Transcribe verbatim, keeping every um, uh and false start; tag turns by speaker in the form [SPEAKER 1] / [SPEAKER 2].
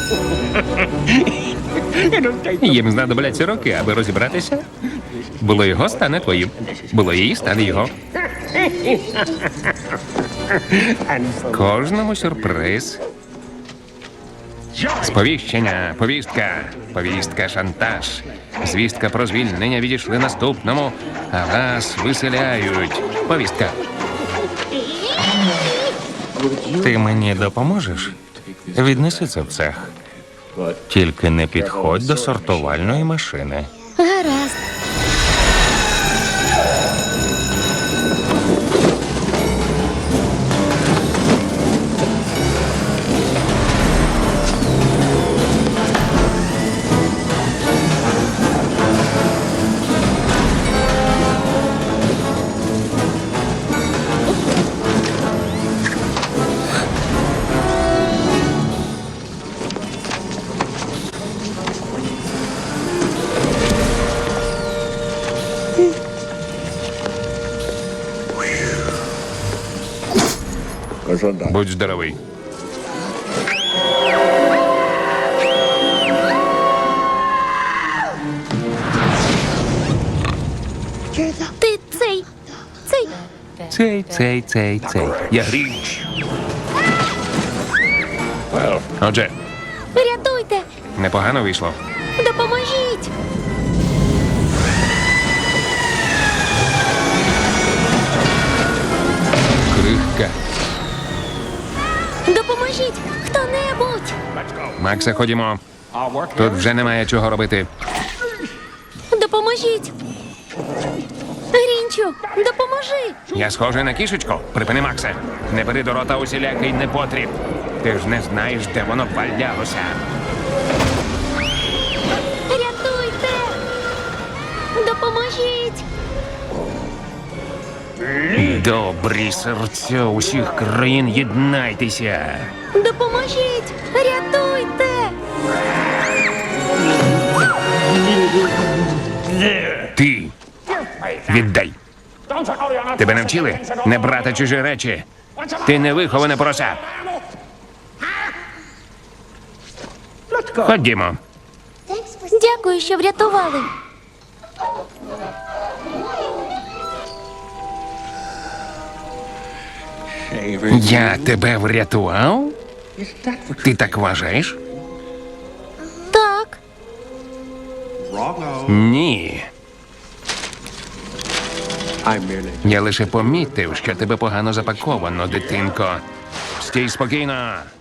[SPEAKER 1] Їм знадобляться роки, аби розібратися. Було його, стане твоїм. Було її, стане його. Кожному сюрприз. Сповіщення, повістка, повістка, шантаж. Звістка про звільнення відійшли наступному, а вас виселяють. Повістка.
[SPEAKER 2] Ти мені допоможеш? Віднеси це в цех. Тільки не підходь до сортувальної машини.
[SPEAKER 3] Гаразд.
[SPEAKER 1] Будь здоровий.
[SPEAKER 3] Ти цей, цей.
[SPEAKER 1] Цей, цей, цей, цей. Я Грінч. Отже,
[SPEAKER 3] Рятуйте!
[SPEAKER 1] непогано вийшло.
[SPEAKER 3] Допоможіть!
[SPEAKER 1] Крихка.
[SPEAKER 3] Допоможіть! Хто-небудь!
[SPEAKER 1] Максе, ходімо. Тут вже немає чого робити.
[SPEAKER 3] Допоможіть! Грінчу, допоможи!
[SPEAKER 1] Я схожий на кішечку. Припини, Максе. Не бери до рота усілякий непотріб. Ти ж не знаєш, де воно валялося.
[SPEAKER 3] Рятуйте! Допоможіть!
[SPEAKER 1] Добрі серця усіх країн, єднайтеся.
[SPEAKER 3] Допоможіть! Рятуйте!
[SPEAKER 1] Ти віддай. Тебе не вчили не брати чужі речі. Ти не виховане порося. Ходімо.
[SPEAKER 3] Дякую, що врятували.
[SPEAKER 1] Я тебе врятував? Ти так вважаєш?
[SPEAKER 3] Так,
[SPEAKER 1] Ні. Я лише помітив, що тебе погано запаковано, дитинко. Стій спокійно.